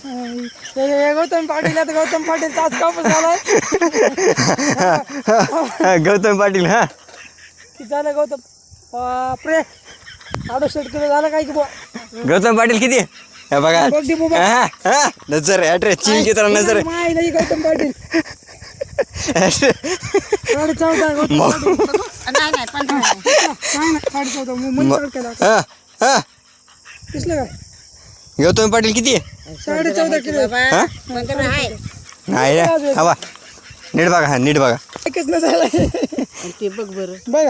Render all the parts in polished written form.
गौतम पाटील आता गौतम पाटील तास कापूस झालाय. गौतम पाटील. हा किती झालं गौतम? बापरे 68 किलो झालं काय की बुवा. गौतम पाटील किती? हे बघा बघ दे बुबा. नजर ॲड्रेस चीन की तरह नजर माय नाही गौतम पाटील 14.5 गौतम पाटील. नाही नाही पण काय नाही 14.5 मंत्र केला दिसलं काय? गौतम पाटील किती? 14.5 किलो नाही रे. हा बा नीट बघा. हा नीट बघा. एकच न झालं ते बघ बरं बघा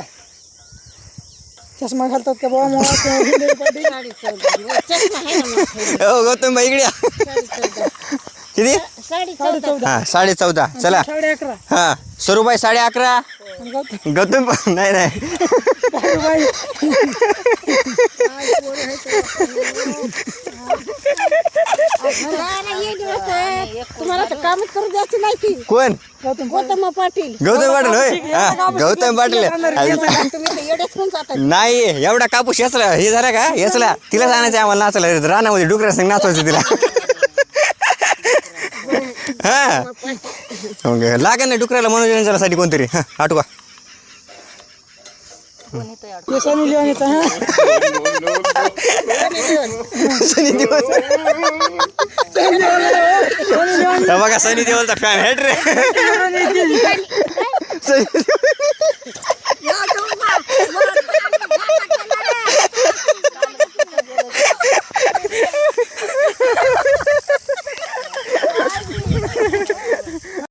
चष्मा घालतात का बाबा मला पाटील. 14.5 चष्मा आहे ना मग. हो गौतम भाई इकडे या. 14.5 किती? 14.5 हा 14.5. चला 11.5 हा सरूबाई 11.5. गौतम नाही नाही बाई तुम्हाला तर कामच करू द्यायची नाही की. कोण? गौतम गौतम पाटील गौतम पाटील होय. हा गौतम पाटील. तुम्ही तर येडेच होऊन जाता. नाही एवढा कापूस याचला हे झाला का याचला तिला आणायचं आम्हाला नाचायला रानामध्ये डुकरा संग नाचवायचं तिला. हा लागेल ना डुकराला मनोरंजनासाठी कोणतरी. हा आठवा सनी लिओन येतं हा सनी देओल. हे बघा सनी देओलचा फॅन हेट रे. सनी देओल.